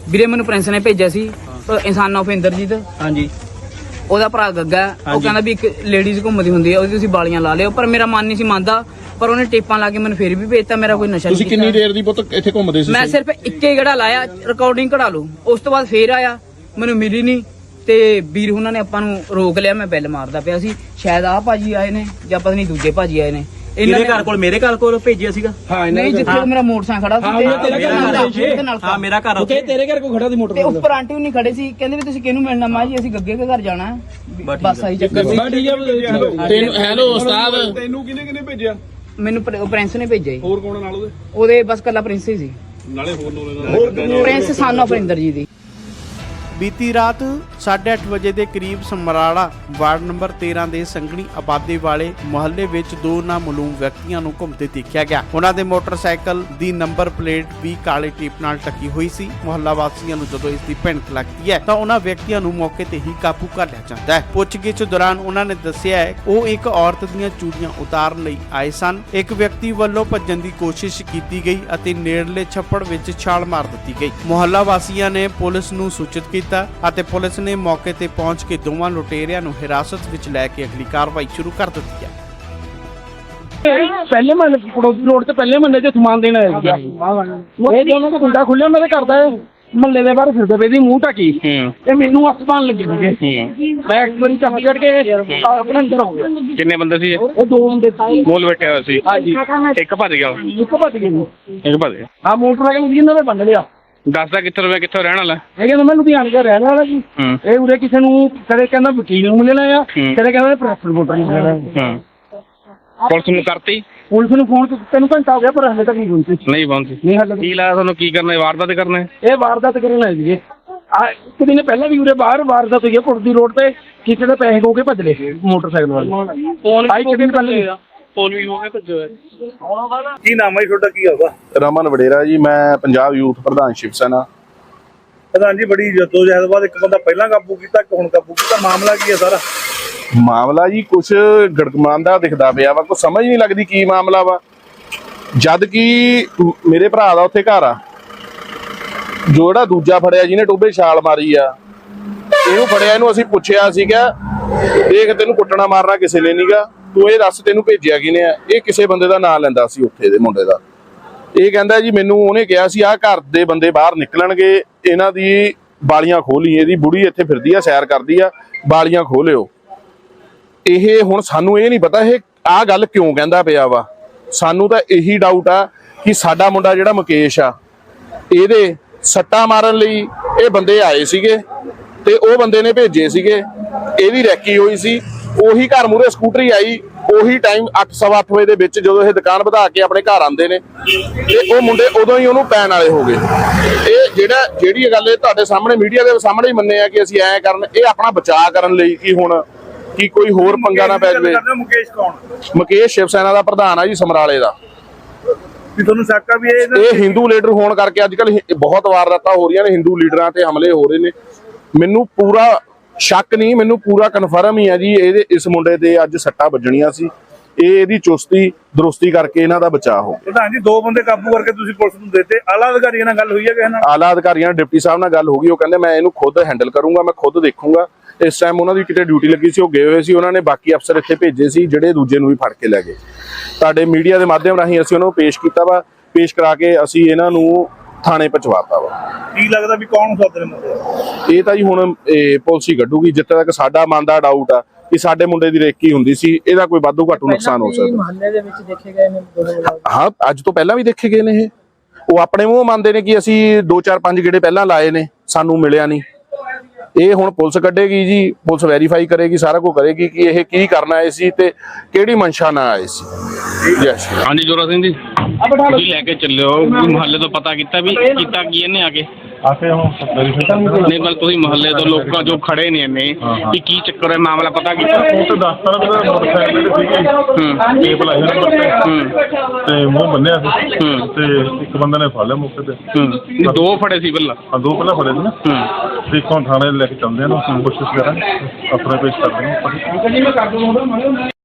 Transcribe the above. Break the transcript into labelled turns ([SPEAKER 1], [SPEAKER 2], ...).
[SPEAKER 1] ਵੀਰੇ ਮੈਨੂੰ ਪ੍ਰਿੰਸ ਨੇ ਭੇਜਿਆ ਸੀ ਇਨਸਾਨ ਆਫ ਇੰਦਰਜੀਤ।
[SPEAKER 2] ਹਾਂਜੀ।
[SPEAKER 1] ਉਹਦਾ ਭਰਾ ਗੱਗਾ, ਉਹ ਕਹਿੰਦਾ ਵੀ ਇੱਕ ਲੇਡੀਜ਼ ਘੁੰਮਦੀ ਹੁੰਦੀ ਹੈ, ਉਹਦੀ ਤੁਸੀਂ ਬਾਲੀਆਂ ਲਾ ਲਿਓ, ਪਰ ਮੇਰਾ ਮਨ ਨਹੀਂ ਸੀ ਮੰਨਦਾ, ਪਰ ਉਹਨੇ ਟੇਪਾਂ ਲਾ ਕੇ ਮੈਨੂੰ ਫੇਰ ਵੀ ਭੇਜਤਾ। ਮੇਰਾ ਕੋਈ ਨਸ਼ਾ ਨਹੀਂ।
[SPEAKER 3] ਤੁਸੀਂ ਕਿੰਨੀ ਦੇਰ ਦੀ ਪੁੱਤ ਇੱਥੇ ਘੁੰਮਦੇ ਸੀ?
[SPEAKER 1] ਮੈਂ ਸਿਰਫ ਇੱਕੇ ਗੜਾ ਲਾਇਆ, ਰਿਕਾਰਡਿੰਗ ਕਢਾ ਲਓ। ਉਸ ਤੋਂ ਬਾਅਦ ਫੇਰ ਆਇਆ, ਮੈਨੂੰ ਮਿਲੀ ਨਹੀਂ ਤੇ ਵੀਰ ਉਹਨਾਂ ਨੇ ਆਪਾਂ ਨੂੰ ਰੋਕ ਲਿਆ। ਮੈਂ ਬੈਲ ਮਾਰਦਾ ਪਿਆ ਸੀ, ਸ਼ਾਇਦ ਆਹ ਭਾਜੀ ਆਏ ਨੇ ਜਾਂ ਪਤਾ ਨਹੀਂ ਦੂਜੇ ਭਾਜੀ ਆਏ ਨੇ।
[SPEAKER 2] ਇਹਦੇ ਘਰ ਕੋਲ ਮੇਰੇ ਘਰ ਕੋਲ ਭੇਜਿਆ ਸੀਗਾ।
[SPEAKER 3] ਹਾਂ
[SPEAKER 1] ਨਹੀਂ, ਜਿੱਥੇ ਮੇਰਾ ਮੋਟਰਸਾਈਕਲ ਖੜਾ ਸੀ।
[SPEAKER 2] ਹਾਂ ਮੇਰਾ ਘਰ ਉੱਥੇ
[SPEAKER 3] ਤੇਰੇ ਘਰ ਕੋ ਖੜਾ ਸੀ ਮੋਟਰ
[SPEAKER 1] ਤੇ ਉੱਪਰ ਆਂਟੀ ਵੀ ਨਹੀਂ ਖੜੇ ਸੀ, ਕਹਿੰਦੇ ਵੀ ਤੁਸੀਂ ਕਿਹਨੂੰ ਮਿਲਣਾ? ਮਾਂ ਜੀ ਅਸੀਂ ਗੱਗੇ ਦੇ ਘਰ ਜਾਣਾ, ਬਸ ਆਹੀ ਚੱਕਰ ਸੀ।
[SPEAKER 3] ਤੈਨੂੰ ਹੈਲੋ ਉਸਤਾਦ,
[SPEAKER 4] ਤੈਨੂੰ ਕਿਹਨੇ ਭੇਜਿਆ?
[SPEAKER 1] ਮੈਨੂੰ ਪ੍ਰਿੰਸ ਨੇ ਭੇਜਿਆ ਜੀ।
[SPEAKER 4] ਹੋਰ ਕੌਣ ਨਾਲ
[SPEAKER 1] ਉਹਦੇ ਬਸ ਕੱਲਾ ਪ੍ਰਿੰਸ ਹੀ ਸੀ,
[SPEAKER 4] ਨਾਲੇ ਹੋਰ
[SPEAKER 1] ਪ੍ਰਿੰਸ ਸਨ ਆਫ ਇੰਦਰਜੀਤ ਦੀ।
[SPEAKER 5] ਬੀਤੀ ਰਾਤ 8:30 ਵਜੇ ਦੇ ਕਰੀਬ ਸਮਰਾਲਾ ਵਾਰਡ ਨੰਬਰ 13 ਦੇ ਸੰਘਣੀ ਆਬਾਦੀ ਵਾਲੇ ਮੁਹੱਲੇ ਵਿੱਚ ਦੋ ਨਾਮਾਲੂਮ ਵਿਅਕਤੀਆਂ ਨੂੰ ਘੁੰਮਦੇ ਦੇਖਿਆ ਗਿਆ। ਉਹਨਾਂ ਦੇ ਮੋਟਰਸਾਈਕਲ ਦੀ ਨੰਬਰ ਪਲੇਟ ਵੀ ਕਾਲੇ ਟੇਪ ਨਾਲ ਢਕੀ ਹੋਈ ਸੀ। ਮੁਹੱਲਾ ਵਾਸੀਆਂ ਨੂੰ ਜਦੋਂ ਇਸ ਦੀ ਭਿਣਕ ਲੱਗਦੀ ਹੈ ਤਾਂ ਉਹਨਾਂ ਵਿਅਕਤੀਆਂ ਨੂੰ ਮੌਕੇ ਤੇ ਹੀ ਕਾਬੂ ਕਰ ਲਿਆ ਜਾਂਦਾ ਹੈ। ਪੁੱਛਗਿੱਛ ਦੌਰਾਨ ਉਹਨਾਂ ਨੇ ਦੱਸਿਆ ਹੈ ਉਹ ਇੱਕ ਔਰਤ ਦੀਆਂ ਚੂੜੀਆਂ ਉਤਾਰਨ ਲਈ ਆਏ ਸਨ। ਇੱਕ ਵਿਅਕਤੀ ਵੱਲੋਂ ਭੱਜਣ ਦੀ ਕੋਸ਼ਿਸ਼ ਕੀਤੀ ਗਈ ਅਤੇ ਨੇੜਲੇ ਛੱਪੜ ਵਿੱਚ ਛਾਲ ਮਾਰ ਦਿੱਤੀ ਗਈ। ਮੁਹੱਲਾ ਵਾਸੀਆਂ ਨੇ ਪੁਲਿਸ ਨੂੰ ਸੂਚਿਤ ਕੀਤਾ ਅਤੇ ਪੁਲਿਸ ਨੇ ਮੌਕੇ ਤੇ ਪਹੁੰਚ ਕੇ ਦੋਵਾਂ ਲੁਟੇਰਿਆਂ ਨੂੰ ਹਿਰਾਸਤ ਵਿੱਚ ਲੈ ਕੇ ਅਗਲੀ ਕਾਰਵਾਈ ਸ਼ੁਰੂ ਕਰ ਦਿੱਤੀ ਹੈ।
[SPEAKER 3] ਪਹਿਲੇ ਮਹੱਲੇ ਪੜੋਸੀ ਰੋਡ ਤੇ ਪਹਿਲੇ ਮਹੱਲੇ 'ਚ ਸਮਾਨ ਦੇਣ ਆਇਆ ਸੀਗਾ। ਇਹ ਦੋਨੋਂ ਦਾ ਗੁੰਡਾ ਖੁੱਲਿਆ, ਉਹਨਾਂ ਦੇ ਘਰ ਦਾ ਮਹੱਲੇ ਦੇ ਬਾਹਰ ਫਿਰਦੇ ਪਏ ਸੀ ਮੂੰਹ ਢਕੀ, ਤੇ ਮੈਨੂੰ ਅਸਮਾਨ ਲੱਗੇ ਸੀਗੇ। ਮੈਂ ਇੱਕ ਵਾਰੀ ਚਾਬੀ ਕੱਢ ਕੇ ਆਪਣੇ ਅੰਦਰ ਹੋ ਗਿਆ।
[SPEAKER 4] ਕਿੰਨੇ ਬੰਦੇ ਸੀ?
[SPEAKER 3] ਉਹ ਦੋ ਬੰਦੇ ਸੀ,
[SPEAKER 4] ਮੋਲ ਬੈਠਿਆ ਹੋਇਆ ਸੀ।
[SPEAKER 3] ਹਾਂਜੀ।
[SPEAKER 4] ਇੱਕ ਭੱਜ ਗਿਆ।
[SPEAKER 3] ਇੱਕ ਭੱਜ ਗਏ ਜੀ।
[SPEAKER 4] ਇੱਕ ਭੱਜ ਗਿਆ।
[SPEAKER 3] ਹਾਂ, ਮੋਟਰਸਾਈਕਲ ਸੀ ਇਹਨਾਂ ਨੇ ਬੰਨ ਲਿਆ।
[SPEAKER 4] ਦੱਸਦਾ ਕਿੱਥੋਂ ਰਹਿਣ ਵਾਲਾ?
[SPEAKER 3] ਇਹ ਕਹਿੰਦਾ ਮੈਂ ਲੁਧਿਆਣੇ ਦਾ ਰਹਿਣ ਵਾਲਾ ਜੀ। ਇਹ ਉਰੇ ਕਿਸੇ ਨੂੰ ਕਦੇ ਕਹਿੰਦਾ ਵਕੀਲ ਨੂੰ ਮਿਲਣਾ ਆ, ਕਦੇ ਕਹਿੰਦਾ ਪ੍ਰੈਸ ਰਿਪੋਰਟਰ ਨੂੰ ਮਿਲਣਾ।
[SPEAKER 4] ਪੁਲਿਸ ਨੂੰ ਕਰਤੀ?
[SPEAKER 3] ਪੁਲਿਸ ਨੂੰ ਫੋਨ ਤੈਨੂੰ ਘੰਟਾ ਹੋ ਗਿਆ, ਪਰ ਹਲੇ ਤੱਕ ਨਹੀਂ ਪਹੁੰਚੀ।
[SPEAKER 4] ਨਹੀਂ ਪਹੁੰਚੀ?
[SPEAKER 3] ਨਹੀਂ ਹਲੇ।
[SPEAKER 4] ਕੀ ਲਾਇਆ ਤੁਹਾਨੂੰ? ਕੀ ਕਰਨਾ? ਵਾਰਦਾਤ ਕਰਨਾ?
[SPEAKER 3] ਇਹ ਵਾਰਦਾਤ ਕਰਨ ਆਏ ਸੀਗੇ। ਇੱਕ ਦਿਨ ਪਹਿਲਾਂ ਵੀ ਉਰੇ ਬਾਹਰ ਵਾਰਦਾਤ ਹੋਈ ਹੈ ਪੁਰਦੀ ਰੋਡ ਤੇ, ਕਿਸੇ ਦੇ ਪੈਸੇ ਖੋ ਕੇ ਭੱਜ ਲਏ ਮੋਟਰਸਾਈਕਲ ਵਾਲੇ। ਇੱਕ ਦਿਨ ਪਹਿਲਾਂ
[SPEAKER 4] ਫੋਨ ਵੀ ਹੋ ਗਿਆ ਭੱਜੋ।
[SPEAKER 6] ਕੀ ਨਾਮ ਹੈ ਤੁਹਾਡਾ? ਕੀ ਹੋਗਾ?
[SPEAKER 7] ਰਮਨ ਵਡੇਰਾ ਜੀ, ਮੈਂ ਪੰਜਾਬ ਯੂਥ ਪ੍ਰਧਾਨ ਸ਼ਿਵ ਸੈਨਾ।
[SPEAKER 6] ਪ੍ਰਧਾਨ ਜੀ, ਬੜੀ ਜਦੋਜਹਿਦ ਬਾਅਦ ਇੱਕ ਬੰਦਾ ਪਹਿਲਾਂ ਕਾਬੂ ਕੀਤਾ, ਇੱਕ ਹੁਣ ਕਾਬੂ ਕੀਤਾ, ਮਾਮਲਾ ਕੀ ਹੈ ਸਾਰਾ?
[SPEAKER 7] ਮਾਮਲਾ ਜੀ ਕੁਛ ਗੜਗਮਾਂਦਾ ਦਿਖਦਾ ਪਿਆ ਵਾ, ਕੁਛ ਸਮਝ ਨਹੀਂ ਲੱਗਦੀ ਕੀ ਮਾਮਲਾ ਵਾ। ਜਦ ਕਿ ਮੇਰੇ ਭਰਾ ਦਾ ਉੱਥੇ ਘਰ ਆ, ਜਿਹੜਾ ਦੂਜਾ ਫੜਿਆ ਜਿਹਨੇ ਟੋਬੇ ਛਾਲ ਮਾਰੀ ਆ, ਇਹਨੂੰ ਫੜਿਆ, ਇਹਨੂੰ ਅਸੀਂ ਪੁੱਛਿਆ ਸੀਗਾ, ਦੇਖ ਤੈਨੂੰ ਕੁੱਟਣਾ ਮਾਰਨਾ ਕਿਸੇ ਨੇ ਨਹੀਂਗਾ, ਤੂੰ ਇਹ ਦੱਸ ਤੈਨੂੰ ਭੇਜਿਆ ਕਿਨੇ ਆ? ਇਹ ਕਿਸੇ ਬੰਦੇ ਦਾ ਨਾਂ ਲੈਂਦਾ ਸੀ ਉੱਥੇ ਦੇ ਮੁੰਡੇ ਦਾ। ਇਹ ਕਹਿੰਦਾ ਜੀ ਮੈਨੂੰ ਉਹਨੇ ਕਿਹਾ ਸੀ ਆਹ ਘਰ ਦੇ ਬੰਦੇ ਬਾਹਰ ਨਿਕਲਣਗੇ, ਇਹਨਾਂ ਦੀ ਬਾਲੀਆਂ ਖੋਲੀ, ਇਹਦੀ ਬੁੜੀ ਇੱਥੇ ਫਿਰਦੀ ਆ, ਸੈਰ ਕਰਦੀ ਆ, ਬਾਲੀਆਂ ਖੋਲਿਓ। ਇਹ ਹੁਣ ਸਾਨੂੰ ਇਹ ਨਹੀਂ ਪਤਾ ਇਹ ਆਹ ਗੱਲ ਕਿਉਂ ਕਹਿੰਦਾ ਪਿਆ ਵਾ। ਸਾਨੂੰ ਤਾਂ ਇਹੀ ਡਾਊਟ ਆ ਕਿ ਸਾਡਾ ਮੁੰਡਾ ਜਿਹੜਾ ਮੁਕੇਸ਼ ਆ, ਇਹਦੇ ਸੱਟਾਂ ਮਾਰਨ ਲਈ ਇਹ ਬੰਦੇ ਆਏ ਸੀਗੇ ਤੇ ਉਹ ਬੰਦੇ ਨੇ ਭੇਜੇ ਸੀਗੇ, ਇਹਦੀ ਰੈਕੀ ਹੋਈ ਸੀ। ਉਹੀ ਘਰ ਮੂਹਰੇ ਸਕੂਟਰੀ ਆਈ, ਉਹੀ ਟਾਈਮ 8:15 ਵਜੇ ਦੇ ਵਿੱਚ ਜਦੋਂ ਇਹ ਦੁਕਾਨ ਵਧਾ ਕੇ ਆਪਣੇ ਘਰ ਆਉਂਦੇ ਨੇ, ਤੇ ਉਹ ਮੁੰਡੇ ਉਦੋਂ ਹੀ ਉਹਨੂੰ ਪੈਣ ਵਾਲੇ ਹੋ ਗਏ। ਇਹ ਜਿਹੜੀ ਗੱਲ ਇਹ ਤੁਹਾਡੇ ਸਾਹਮਣੇ ਮੀਡੀਆ ਦੇ ਸਾਹਮਣੇ ਹੀ ਮੰਨੇ ਆ ਕਿ ਅਸੀਂ ਐਂ ਕਰਨ, ਇਹ ਆਪਣਾ ਬਚਾਅ ਕਰਨ ਲਈ ਕਿ ਹੁਣ ਕਿ ਕੋਈ ਹੋਰ ਪੰਗਾ ਨਾ ਪੈ ਜਾਵੇ।
[SPEAKER 6] ਮੁਕੇਸ਼ ਕੌਣ?
[SPEAKER 7] ਮੁਕੇਸ਼ ਸ਼ਿਵ ਸੈਨਾ ਦਾ ਪ੍ਰਧਾਨ ਆ ਜੀ, ਸਮਰਾਲੇ ਦਾ।
[SPEAKER 6] ਵੀ ਤੁਹਾਨੂੰ ਸ਼ੱਕ ਆ ਵੀ
[SPEAKER 7] ਇਹ ਹਿੰਦੂ ਲੀਡਰ ਹੋਣ ਕਰਕੇ ਅੱਜ ਕੱਲ ਬਹੁਤ ਵਾਰਦਾਤਾਂ ਹੋ ਰਹੀਆਂ ਨੇ, ਹਿੰਦੂ ਲੀਡਰਾਂ ਤੇ ਹਮਲੇ ਹੋ ਰਹੇ ਨੇ। ਮੈਨੂੰ ਪੂਰਾ ਸ਼ੱਕ ਨਹੀਂ, ਮੈਨੂੰ ਪੂਰਾ ਕਨਫਰਮ ਹੀ ਆ ਜੀ ਇਹਦੇ ਇਸ ਮੁੰਡੇ ਤੇ ਅੱਜ ਸੱਟਾਂ ਵੱਜਣੀਆਂ ਸੀ। ਇਹਦੀ ਚੁਸਤੀ ਦਰੁਸਤੀ ਕਰਕੇ ਇਹਨਾਂ ਦਾ ਬਚਾਅ ਹੋ ਗਿਆ।
[SPEAKER 6] ਪ੍ਰਧਾਨ ਜੀ, ਦੋ ਬੰਦੇ ਕਾਬੂ ਕਰਕੇ ਤੁਸੀਂ ਪੁਲਿਸ ਨੂੰ ਦੇਤੇ, ਆਲਾ ਅਧਿਕਾਰੀਆਂ ਨਾਲ ਗੱਲ ਹੋਈ ਹੈ ਕਿਸੇ ਨਾਲ?
[SPEAKER 7] ਆਲਾ ਅਧਿਕਾਰੀਆਂ ਡਿਪਟੀ ਸਾਹਿਬ ਨਾਲ ਗੱਲ ਹੋ ਗਈ, ਉਹ ਕਹਿੰਦੇ ਮੈਂ ਇਹਨੂੰ ਖੁਦ ਹੈਂਡਲ ਕਰੂੰਗਾ, ਮੈਂ ਖੁਦ ਦੇਖੂੰਗਾ। ਇਸ ਟਾਈਮ ਉਹਨਾਂ ਦੀ ਕਿਤੇ ਡਿਊਟੀ ਲੱਗੀ ਸੀ, ਉਹ ਗਏ ਹੋਏ ਸੀ, ਉਹਨਾਂ ਨੇ ਬਾਕੀ ਅਫਸਰ ਇੱਥੇ ਭੇਜੇ ਸੀ ਜਿਹੜੇ ਦੂਜੇ ਨੂੰ ਵੀ ਫੜ ਕੇ ਲੈ ਗਏ। ਤੁਹਾਡੇ ਮੀਡੀਆ ਦੇ ਮਾਧਿਅਮ ਰਾਹੀਂ ਅਸੀਂ ਉਹਨਾਂ ਨੂੰ ਪੇਸ਼ ਕੀਤਾ ਵਾ, ਪੇਸ਼ ਕਰਾ ਕੇ ਅਸੀਂ ਇਹਨਾਂ ਨੂੰ ਥਾਣੇ ਪਹੁੰਚਵਾਤਾ ਵਾ।
[SPEAKER 6] ਕੀ ਲੱਗਦਾ ਵੀ ਕੌਣ ਸੱਦ ਰਹੇ?
[SPEAKER 7] ਇਹ ਤਾਂ ਜੀ ਹੁਣ ਪੁਲਿਸ ਹੀ ਕੱਢੂਗੀ। ਜਿੱਥੇ ਤੱਕ ਸਾਡਾ ਮਨ ਦਾ ਡਾਊਟ ਆ ਕਿ ਸਾਡੇ ਮੁੰਡੇ ਦੀ ਰੇਕੀ ਹੁੰਦੀ ਸੀ, ਇਹਦਾ ਕੋਈ ਵਾਧੂ ਘਾਟੂ ਨੁਕਸਾਨ ਹੋ ਸਕਦਾ।
[SPEAKER 1] ਮੁਹੱਲੇ ਦੇ ਵਿੱਚ ਦੇਖੇ ਗਏ ਨੇ
[SPEAKER 7] ਹਾਂ, ਅੱਜ ਤੋਂ ਪਹਿਲਾਂ ਵੀ ਦੇਖੇ ਗਏ ਨੇ। ਉਹ ਆਪਣੇ ਮੂੰਹ ਮੰਨਦੇ ਨੇ ਕਿ ਅਸੀਂ 2-4-5 ਗੇੜੇ ਪਹਿਲਾਂ ਲਾਏ ਨੇ, ਸਾਨੂੰ ਮਿਲਿਆ ਨਹੀਂ। ਇਹ ਹੁਣ ਪੁਲਿਸ ਕੱਢੇਗੀ ਜੀ, ਪੁਲਿਸ ਵੈਰੀਫਾਈ ਕਰੇਗੀ, ਸਾਰਾ ਕੁਝ ਕਰੇਗੀ ਕਿ ਇਹ ਕੀ ਕਰਨ ਆਏ ਸੀ ਤੇ ਕਿਹੜੀ ਮਨਸ਼ਾ ਨਾਲ ਆਏ ਸੀ। ਯੈਸ।
[SPEAKER 4] ਹਾਂਜੀ ਜੋਰਾ ਸਿੰਘ ਜੀ, ਤੁਸੀਂ ਲੈ ਕੇ ਚੱਲਿਓ ਮੁਹੱਲੇ ਤੋਂ, ਪਤਾ ਕੀਤਾ ਵੀ ਕੀਤਾ ਕੀ ਇਹਨੇ ਆ ਕੇ? ਨਹੀਂ ਬਲ ਤੁਸੀਂ ਮੁਹੱਲੇ ਤੋਂ ਲੋਕਾਂ ਜੋ ਖੜੇ ਨੇ ਇਹਨੇ ਕਿ ਕੀ ਚੱਕਰ ਹੈ, ਮਾਮਲਾ ਪਤਾ ਕੀਤਾ?
[SPEAKER 8] ਉਹ ਤਾਂ ਦੱਸਦਾ ਮੋਟਰਸਾਈਕਲ ਤੇ ਸੀਗੀ, ਟੇਪ ਲਾਈ ਤੇ ਮੂੰਹ ਬੰਨਿਆ ਸੀ, ਤੇ ਇੱਕ ਬੰਦੇ ਨੇ ਫੜ ਲਿਆ ਮੌਕੇ ਤੇ।
[SPEAKER 4] ਦੋ ਫੜੇ ਸੀ ਪਹਿਲਾਂ?
[SPEAKER 8] ਹਾਂ, ਦੋ ਪਹਿਲਾਂ ਫੜੇ ਸੀ ਨਾ। ਤੇ ਹੁਣ ਥਾਣੇ ਲੈ ਕੇ ਚੱਲਦੇ ਆ ਨਾ, ਕੋਸ਼ਿਸ਼ ਕਰਾਂਗੇ ਆਪਣੇ ਪੇਸ਼ ਕਰਦੇ ਹਾਂ।